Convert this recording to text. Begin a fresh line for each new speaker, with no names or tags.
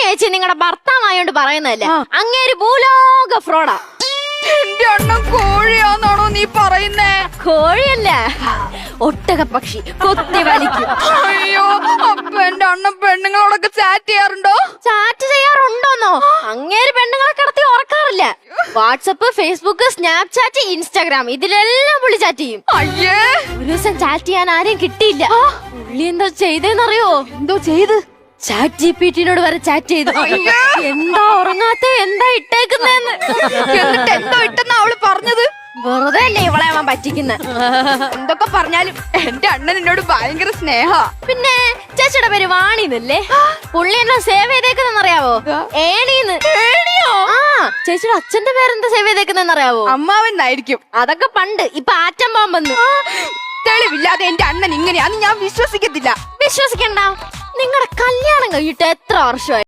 ചേച്ചി നിങ്ങളുടെ ഭർത്താവായോണ്ട് പറയുന്നതല്ലേ, അങ്ങേര് ഭൂലോക ഫ്രോഡാ.
എന്റെ അണ്ണൻ കോഴിയാന്നാണോ നീ പറയുന്നേ?
കോഴിയല്ല, ഒട്ടക പക്ഷി കൊത്തി വലിക്കും.
അയ്യോ, അപ്പൊ എന്റെ അണ്ണൻ പെണ്ണുങ്ങളോടൊക്കെ ചാറ്റ് ചെയ്യാറുണ്ടോ?
ചാറ്റ് ചെയ്യാറുണ്ടോന്നോ? അങ്ങേര് പെണ്ണുങ്ങളെ കിടത്തി ഉറക്കാറില്ല. വാട്സപ്പ്, ഫേസ്ബുക്ക്, സ്നാപ്ചാറ്റ്, ഇൻസ്റ്റാഗ്രാം ഇതിലെല്ലാം പുള്ളി ചാറ്റ് ചെയ്യും.
അയ്യേ,
ഒരു ദിവസം ചാറ്റ് ചെയ്യാൻ ആരെയും കിട്ടിയില്ല. പുള്ളി എന്താ ചെയ്തെന്നറിയോ?
എന്തോ ചെയ്ത്?
ചാറ്റ് ജിപിടിയോട് വരെ ചാറ്റ് ചെയ്തു. എന്താ ഉറങ്ങാത്ത, എന്താ ഇട്ടേക്കുന്നെന്ന്.
എന്നിട്ട് എന്തോ ഇട്ടെന്നാ അവള് പറഞ്ഞത്?
വെറുതെ അല്ലേ ഇവളെ അവൻ പറ്റിക്കുന്ന.
എന്തൊക്കെ പറഞ്ഞാലും എന്റെ അണ്ണൻ എന്നോട് ഭയങ്കര സ്നേഹ.
പിന്നെ ചേച്ചിയുടെ പേര് വാണിന്നല്ലേ? പുള്ളി എന്നെ സേവ് ചെയ്തേക്കുന്നറിയാവോ? ഏണീന്ന്. ആ, ചേച്ചിയുടെ അച്ഛന്റെ പേരെന്താ സേവ് ചെയ്തേക്കുന്നറിയാവോ?
അമ്മാവെന്നായിരിക്കും.
അതൊക്കെ പണ്ട്. ഇപ്പൊ ആറ്റം ബോംബെന്ന്.
തെളിവില്ലാതെ എന്റെ അണ്ണൻ ഇങ്ങനെയാന്ന് ഞാൻ വിശ്വസിക്കത്തില്ല.
വിശ്വസിക്കണ്ട. നിങ്ങളുടെ കല്യാണം കഴിഞ്ഞിട്ട് എത്ര വർഷമായി?